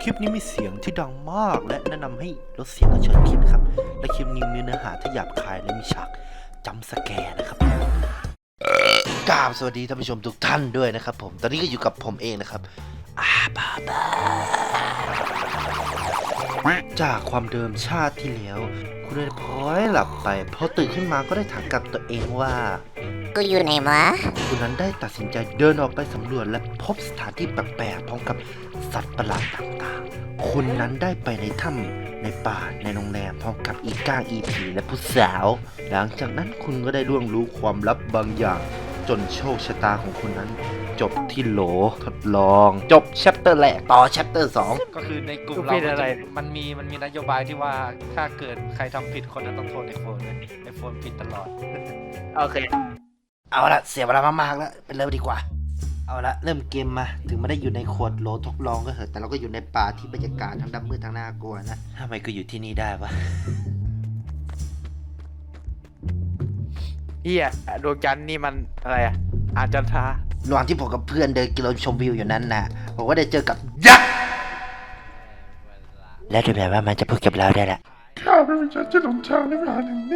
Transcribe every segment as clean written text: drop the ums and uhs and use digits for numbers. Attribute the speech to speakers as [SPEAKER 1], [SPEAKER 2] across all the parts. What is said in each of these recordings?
[SPEAKER 1] คลิปนี้มีเสียงที่ดังมากและแนะนำให้ลดเสียงกระเชิญคลิปนะครับและคลิปนี้มีเนื้อหาที่หยาบคายและมีฉากจัมป์สแกร์นะครับกราบสวัสดีท่านผู้ชมทุกท่านด้วยนะครับผมตอนนี้ก็อยู่กับผมเองนะครับจากความเดิมชาติที่แล้วคุณได้พลอยหลับไปพอตื่นขึ้นมาก็ได้ถามกับตัวเองว่า
[SPEAKER 2] กูอยู่ไหนวะ
[SPEAKER 1] คุณนั้นได้ตัดสินใจเดินออกไปสำรวจและพบสถานที่แปลกๆพร้อมกับสัตว์ประหลาดต่างๆคุณนั้นได้ไปในถ้ำในป่าในโรงแรมพร้อมกับอีก้างอีผีและผู้สาวหลังจากนั้นคุณก็ได้ล่วงรู้ความลับบางอย่างจนโชคชะตาของคุณนั้นจบที่โหลทดลองจบแชปเตอร์แรกต่อแชปเตอร์2
[SPEAKER 3] ก็คือในกลุ่มเรามันมีนโยบายที่ว่าถ้าเกิดใครทำผิดคนนั้นต้องโทษไอโฟนไอโฟนผิดตลอด
[SPEAKER 2] โอเค
[SPEAKER 1] เอาละเสียเวลามากๆแล้วไปเริ่มดีกว่าเอาละเริ่มเกมมาถึงไม่ได้อยู่ในขวดโหลทดลองก็เถอะแต่เราก็อยู่ในป่าที่บรรยากาศทั้งดำมืดทั้งน่ากลัวนะทำไมก็อยู่ที่นี่ได้วะ
[SPEAKER 4] เฮียดวงจันทร์นี่มันอะไรอ่ะอาจันทรา
[SPEAKER 1] ระหว่างที่ผมกับเพื่อนเดินกินชมวิวอยู่นั้นนะผมก็ได้เจอกับยักษ์และดูแบบว่ามันจะพูดกับเราได้แหละ
[SPEAKER 5] ข้าเป็นวิญญาณที่หลงทางในเวลาหนึ่งนี้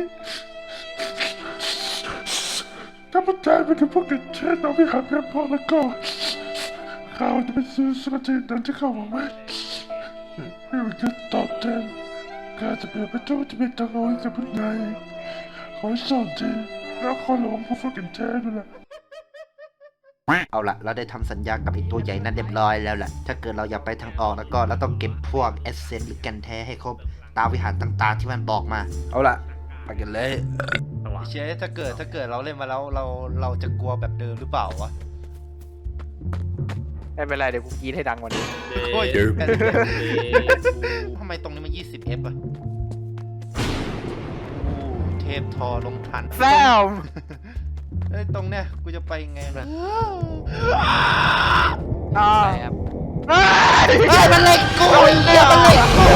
[SPEAKER 5] ถ้าพระเจ้าเป็นพวกเด็กเช่นเราไม่หาเพียงพอแล้วก็ข้าจะไปซื้อสุขจิตนั้นที่ข้าหวังไว้ไม่ว่าจะตอบแทนข้าจะเปลี่ยนไปทุกที่เป็นตัวเรากับผู้ใดขอให้โชคดีแล้วขอหลงพวกเด็กเช่นนั่นแหละ
[SPEAKER 1] เอาละเราได้ทำสัญญากับไอ้ตัวใหญ่นั้นเรียบร้อยแล้วแหละถ้าเกิดเราอยากไปทางออกแล้วก็เราต้องเก็บพวกเอสเซนต์หรือแกนแท้ให้ครบตามวิหารต่างๆที่มันบอกมาเอาละไปกันเลย
[SPEAKER 3] เชฟถ้าเกิดเราเล่นมาแล้วเราจะกลัวแบบเดิมหรือเปล่าวะ
[SPEAKER 4] ไม่เป็นไรเดี๋ยวกูกีดให้ดังกว่านี้
[SPEAKER 3] โอ้ยทำไมตรงนี้มัน 20F อ่ะเทพทอลงทัน
[SPEAKER 4] แซม
[SPEAKER 3] เอ้ยตรงเนี้ยกูจะไปไงล่ะ
[SPEAKER 1] มันเล็กกูเนี่ยมันเล็กกู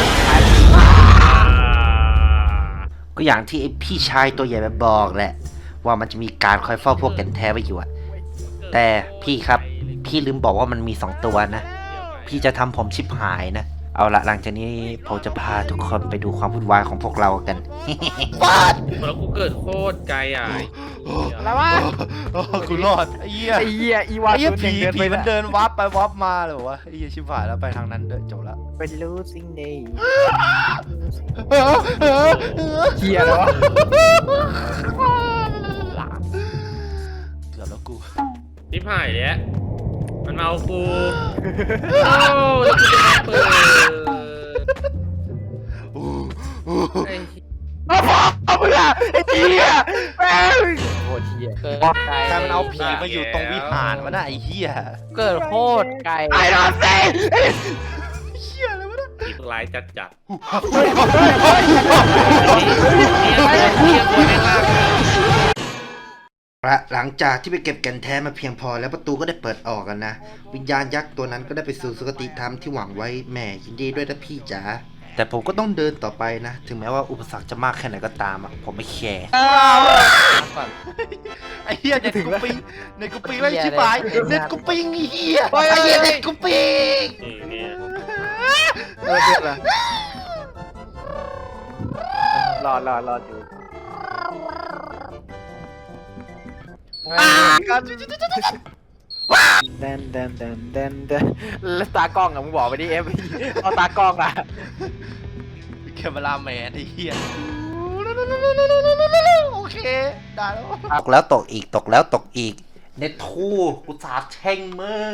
[SPEAKER 1] ก็อย่างที่ไอพี่ชายตัวใหญ่มาบอกแหละว่ามันจะมีการคอยเฝ้าพวกแก่นแท้ไว้อยู่อะแต่พี่ครับพี่ลืมบอกว่ามันมี2ตัวนะพี่จะทำผมชิบหายนะเอาละหลังจากนี้ผมจะพาทุกคนไปดูความวุ่นวายของพวกเรากัน
[SPEAKER 6] แล้วกูเกิดโคตรไกลอ่ะ
[SPEAKER 4] แล้ววะ
[SPEAKER 3] กูรอดไอ้เหี้ย
[SPEAKER 4] อีวา
[SPEAKER 3] ผีมันเดินวับไปวับมาเลยว่าไอ้เหี้ยชิบหายแล้วไปทางนั้นเดินจบละ
[SPEAKER 4] เป็นรู้สิ่งนี้เฮียแล้ว
[SPEAKER 3] เกือบแล้วกู
[SPEAKER 6] ทิพหายเลยมันมาเอากูโอ้แล้วกูจะเปิด
[SPEAKER 4] เอาไปละไอ้เหี้ยแม่งโคตรเหี้ย
[SPEAKER 3] ใครมันเอาผีมาอยู่ตรงวิหารวะน่ะไอ้เหี้ย
[SPEAKER 4] เกิดโคตรไกลไอ้ดอนเซ่
[SPEAKER 3] เหี้ยอะไรวะน่ะ
[SPEAKER 6] ผีร้ายจัด
[SPEAKER 1] หลังจากที่ไปเก็บแก่นแท้มาเพียงพอแล้วประตูก็ได้เปิดออกกันนะวิญญาณยักษ์ตัวนั้นก็ได้ไปสู่สุคติธรรมที่หวังไว้แหม่ยินดีด้วยนะพี่จ๋าแต่ผมก็ต้องเดินต่อไปนะถึงแม้ว่าอุปสรรคจะมากแค่ไหนก็ตามอ่ะผมไม่แคร์
[SPEAKER 3] ไอ้เหี้ยเน็ตกูปิงแล้วชิบหายเน็ตกูปิงไอ้เหี้ยไอ้เหี้ยเน็ตกูปิง
[SPEAKER 4] รออยู่เดินแล้วตากล้องอะมึงบอกไปดิเอฟเอาตากล้องอะ
[SPEAKER 3] แคมเมราแมนไอ้เหี้ยโอเคได้
[SPEAKER 1] แล้วตกแล้วตกอีกเน็ตทูกูสาบแช่งมึง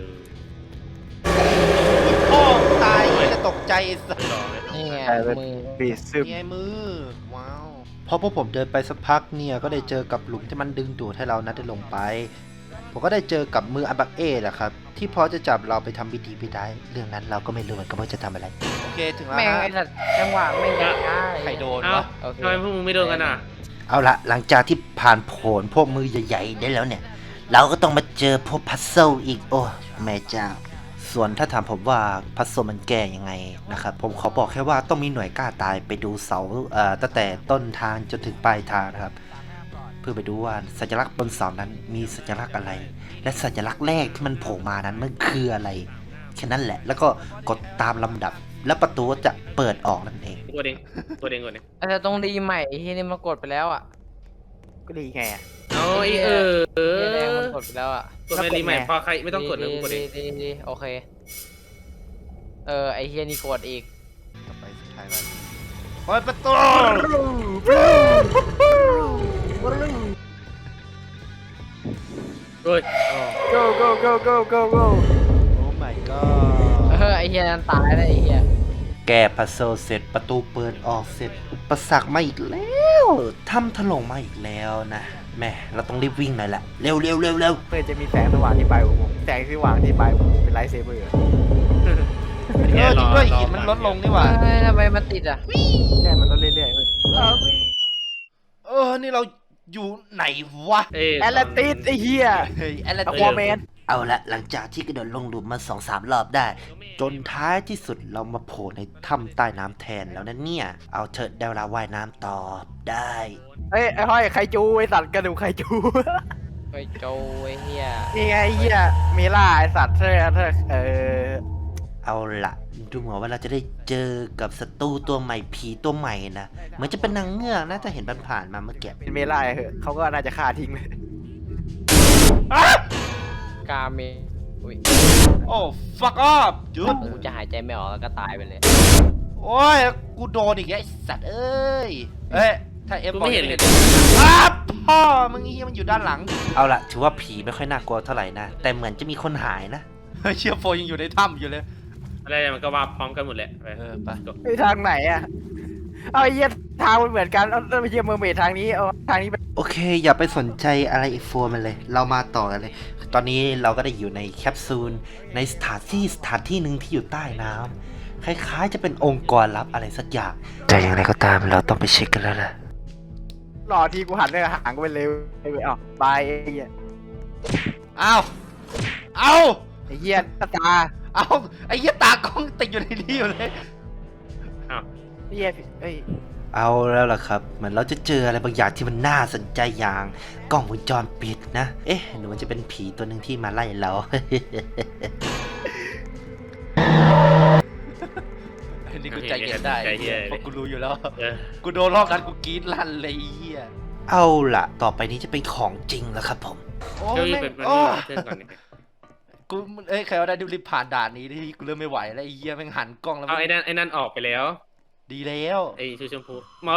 [SPEAKER 3] พ่อตายจะตกใจสัส
[SPEAKER 4] นี่ไงมือปีซึม
[SPEAKER 3] นี่ไงมือว้าว
[SPEAKER 1] พอพวกผมเดินไปสักพักเนี่ยก็ได้เจอกับหลุมที่มันดึงดูดให้เรานั้นได้ลงไปผมก็ได้เจอกับมืออาบักเอแหละครับที่พอจะจับเราไปทำพิธีได้เรื่องนั้นเราก็ไม่รู้เหมือนกันว่าจะทำอะไร
[SPEAKER 3] โอเคถึงแล้ว
[SPEAKER 4] แม่งไอ้สัตว์จังหวะไม่ได้
[SPEAKER 3] ใครโดนวะ
[SPEAKER 6] ทำไมพวกมึงไม่โดนกันอ่ะ
[SPEAKER 1] เอาละหลังจากที่ผ่านผลพวกมือใหญ่ๆได้แล้วเนี่ยเราก็ต้องมาเจอพวกพัซเซิลอีกโอ้แม่เจ้าส่วนถ้าถามผมว่าพัซเซิลมันแก้ยังไงนะครับผมขอบอกแค่ว่าต้องมีหน่วยกล้าตายไปดูเสาตั้งแต่ต้นทางจนถึงปลายทางนะครับเพื่อไปดูว่าสัญลักษณ์บนเสานั้นมีสัญลักษณ์อะไรและสัญลักษณ์แรกที่มันโผล่มานั้นมันคืออะไรแค่นั้นแหละ แล้วก็กดตามลำดับ แล้วประตูก็จะเปิดออกนั่นเอง
[SPEAKER 6] ตัวเด้งตัวเด้ง
[SPEAKER 4] อาจจะต้องรีใหม่ไอ้ที่นี่มันกดไปแล้วอ่ะก็รีไงอ่ะ
[SPEAKER 6] เอาไอ้
[SPEAKER 4] ไอ้แดงมันกดไปแล้วอ่ะ
[SPEAKER 6] กดไม่รีใหม่พอใครไม่ต้องกดเลยกูกดเอง
[SPEAKER 4] ดีโอเคไอ้เฮียนี่กดอีก
[SPEAKER 3] ต่อไปสุดท้ายแล้วเปิดประตู
[SPEAKER 6] เฮ้ย
[SPEAKER 4] go go go go go go
[SPEAKER 3] โอ้ my god
[SPEAKER 4] ไอ้เฮียนั่นตายแล้วไอ้เฮีย
[SPEAKER 1] แก้พัซเซิลเสร็จประตูเปิดออกเสร็จประสักมาอีกแล้วทำถล่มมาอีกแล้วนะแม่เราต้องรีบวิ่งหน่อยละเร็ว
[SPEAKER 4] เพื่อจะมีแสงสว่างที่ปลายอุโมงค์แสงสว่างที่ปลายอุโมงค์เป็นไลท์เซเบอร์
[SPEAKER 3] จริงด้วยหินมันลดลงนี่หว่า
[SPEAKER 4] ทำไมมันติดอ่ะใช่มันลดเรื่อยๆเว้ย
[SPEAKER 3] นี่เราอยู่ไหนวะ
[SPEAKER 4] แอตแลนติสไอ้เฮีย
[SPEAKER 3] เฮ้ยแอตแลน
[SPEAKER 4] อะ
[SPEAKER 3] ติ
[SPEAKER 4] ควาแมน
[SPEAKER 1] เอาละหลังจากที่กระโดดลงหลุมมา 2-3 รอบได้ จนท้ายที่สุดเรามาโผล่ในถ้ำใต้น้ำแทนแล้วนะเนี่ยเอาเถิดได้เวลาว่ายน้ำต่อได้
[SPEAKER 4] ไอ้ห้อยไคจูไอ้สัตว์กระดูกไคจูไคจูไอ้เฮียนี่ไงไอ้เฮียเมล่าไอ้สัตว์เธอ
[SPEAKER 1] เอาละดูเหมือนว่าเราจะได้เจอกับศัตรูตัวใหม่ผีตัวใหม่นะเหมือนจะเป็นนางเงือกนะถ้าเห็นผ่านๆมาเมื่อกี้
[SPEAKER 4] เป็นเมล่าเหอะเขาก็น่าจะฆ่าทิ้งเลยกาเมอุ้ย
[SPEAKER 3] โอ้ fuck off จุด
[SPEAKER 4] กูจะหายใจไม่ออกแล้วก็ตายไปเลย
[SPEAKER 3] โอ้ยกูโดนอีกแล้วไอ้สัตว์เอ้ยถ้าเอฟ
[SPEAKER 6] กูไม่เห็นเลย
[SPEAKER 3] ครับพ่อมึงมันอยู่ด้านหลัง
[SPEAKER 1] เอาละถือว่าผีไม่ค่อยน่ากลัวเท่าไหร่นะแต่เหมือนจะมีคนหายนะ
[SPEAKER 3] เชียร์โฟยังอยู่ในถ้ำอยู่เลย
[SPEAKER 6] อะไรมันก็ว่าพร้อมกันหมดแหละไป
[SPEAKER 3] ไป
[SPEAKER 4] ไอ้ทางไหนอะเอาไอ้เหี้ยทางมันเหมือนกันเอาไอ้เหี้ยเมอร์เมดทางนี้เอาทางนี้ไป
[SPEAKER 1] โอเค อย่าไปสนใจอะไรอีกโฟมันเลย เรามาต่อกันเลย ตอนนี้เราก็ได้อยู่ในแคปซูลในสถานที่หนึ่งที่อยู่ใต้น้ำคล้ายๆจะเป็นองค์กรลับอะไรสักอย่างแต่อย่างไรก็ตามเราต้องไปเช็คกันแล้วล่ะ
[SPEAKER 4] รอทีกูหันเลยห่างกูไปเลยไอ้เว้ยอ๋อบายไอ้เหี้ย
[SPEAKER 3] เอา
[SPEAKER 4] ไอ้เหี้ยตา
[SPEAKER 3] เอาไอ้เหี้ยตากล้องติดอยู่ในนี้อยู่เลย
[SPEAKER 6] อ้าว
[SPEAKER 4] ไอ้เหี้ยเอ้ย
[SPEAKER 1] เอาแล้วล่ะครับเหมือนเราจะเจออะไรบางอย่างที่มันน่าสนใจอย่างกล้องวงจรปิดนะเอ๊ะหรือมันจะเป็นผีตัวหนึ่งที่มาไล่เรา
[SPEAKER 3] นี่กูใจเย็นได้เพราะกูรู้อยู่แล้ว
[SPEAKER 6] เออ
[SPEAKER 3] กูโดนรอบนั้นกูกรี๊ดลั่นเลยไอ้เหี้ย
[SPEAKER 1] เอาล่ะ ต่อไปนี้จะเป็นของจริงแล้วครับผม
[SPEAKER 3] โอ้
[SPEAKER 6] เจ้าอยู่
[SPEAKER 3] แม่ง
[SPEAKER 6] เป็น
[SPEAKER 3] โอ้
[SPEAKER 6] เพื่อนก่อนเนี่ย
[SPEAKER 3] กูใครว่าได้ดูรีบผ่านด่านนี้ที่กูเริ่มไม่ไหวแล้วไอ้เหี้ยแม่งหันกล้องแล้ว
[SPEAKER 6] เอาไอ้นั่นออกไปแล้ว
[SPEAKER 3] ดีแล้ว
[SPEAKER 6] ไอ้ชูชมพูโอ้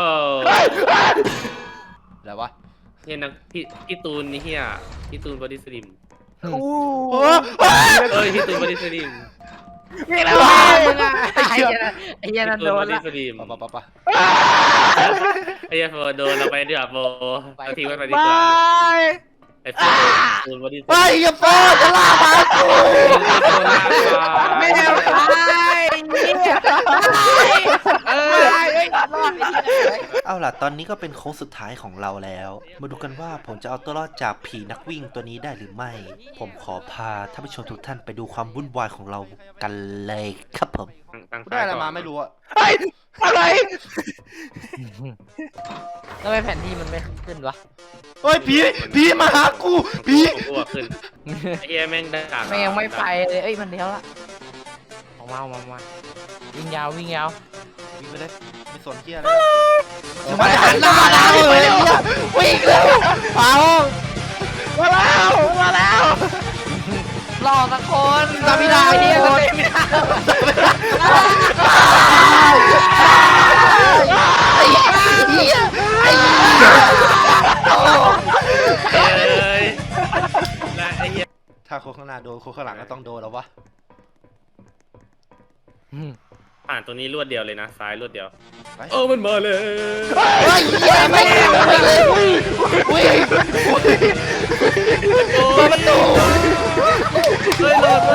[SPEAKER 3] แล้ววะ
[SPEAKER 6] เนี่ยนักพี่ตูนนี่เฮียพี่ตูนบอดี้สลิม
[SPEAKER 4] อู้
[SPEAKER 3] โอ้
[SPEAKER 6] เอ้ยพี่ตูนบอดี้สลิม
[SPEAKER 4] นี่แหละไอ้เหี้ยนั่นโดน
[SPEAKER 6] พี่ตูนบอดี้
[SPEAKER 4] ละ
[SPEAKER 6] สลิม
[SPEAKER 3] ปะ
[SPEAKER 6] ไอ้เหี้ยโฟโดนเราไปเดือบโฟเอาทีไว้ไปดี
[SPEAKER 4] บาก
[SPEAKER 6] ว่าย ไอ้โฟตูนบอดี้สลิม
[SPEAKER 3] ไอ้เหี้ยโฟจะล่ามากู
[SPEAKER 4] ไม่เอาตายเนี่ยรอด
[SPEAKER 1] เอาล่ะ ตอนนี้ก็เป็นโค้งสุดท้ายของเราแล้ว มาดูกันว่าผมจะเอาตัวรอดจากผีนักวิ่งตัวนี้ได้หรือไม่ ผมขอพาท่านผู้ชมทุกท่านไปดูความวุ่นวายของเรากันเลยครับผม
[SPEAKER 3] กูได้อะไรมาไม่รู้อะ
[SPEAKER 4] อะไรทำไมแผนที่มันไม่ขึ้นวะ
[SPEAKER 3] เฮ้ยผีมาหากูผี
[SPEAKER 6] กูขึ้นไอ้เหี้ยแม่งด่า
[SPEAKER 4] แม่งไม่ไปเลยเอ้ยมันเลี้ยวละออกมาวิ่งยาว
[SPEAKER 3] วิ่งไปเลยไม่สนเหี้ยอะไรมาหันหน้าเราเลยวิ่งเร็วเอา
[SPEAKER 4] มาแล้วรอสักคน
[SPEAKER 3] ตาพิดา
[SPEAKER 4] ไอ้
[SPEAKER 3] เนี่
[SPEAKER 4] เหี้
[SPEAKER 3] ย
[SPEAKER 4] ย
[SPEAKER 3] ไม่ได้ถ้าคนข้างหน้าโดนคนข้างหลังก็ต้องโดนแล้ววะ
[SPEAKER 6] ผ่านตรงนี้รวดเดียวเลยนะซ้ายรวดเดียวเออมันมาเลย
[SPEAKER 3] เฮ้ยเหี้ยไม่ได้เลยวิ่งประตู
[SPEAKER 6] เฮ้ยรอดเลย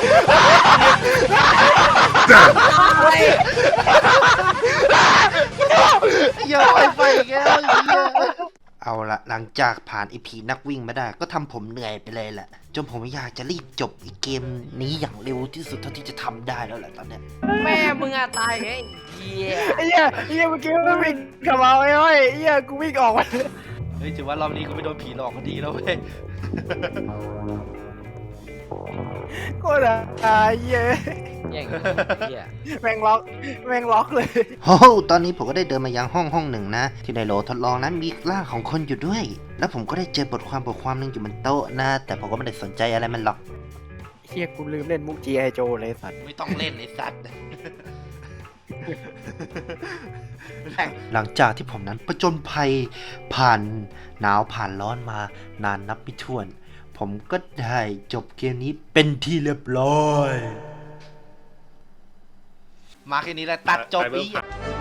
[SPEAKER 3] อย่าไปอีกแล้วเหี้ย
[SPEAKER 1] เอาละหลังจากผ่านไอผีนักวิ่งมาได้ก็ทำผมเหนื่อยไปเลยแหละจนผมอยากจะรีบจบไอเกมนี้อย่างเร็วที่สุดเท่าที่จะทำได้แล้วแหละตอนเนี้ย
[SPEAKER 4] แม่มึงอะตายไงไอ้เหี้ยเมื่อกี้มันวิ่งกับเราไอ้ห้อยไอ้เหี้ยกูวิ่งออกมา
[SPEAKER 3] เฮ้ยถือว่ารอบนี้กูไม่โดนผีหลอกก็ดีแล้วเว้ย
[SPEAKER 4] โคตรเหี้ย
[SPEAKER 7] แย่งเฮีย
[SPEAKER 4] แม่งล็อกเลย
[SPEAKER 1] โอ้โหตอนนี้ผมก็ได้เดินมายังห้องหนึ่งนะ ที่ในโหลทดลองนั้นมีร่างของคนอยู่ด้วย แล้วผมก็ได้เจอบทความหนึ่งอยู่บนโต๊ะนะ แต่ผมก็ไม่ได้สนใจอะไรมันหรอก
[SPEAKER 4] เฮียกูลืมเล่นมุก G.I. Joe เลยสัตว์
[SPEAKER 1] ไม่ต้องเล่นไอ้สัตว์ หลังจากที่ผมนั้นประจนภัยผ่านหนาวผ่านร้อนมานานนับไม่ถ้วน ผมก็ได้จบเกมนี้เป็นที่เรียบร้อย มาแค่นี้แหละตัดจบ
[SPEAKER 6] ไปเบิ่
[SPEAKER 1] นี้
[SPEAKER 6] ง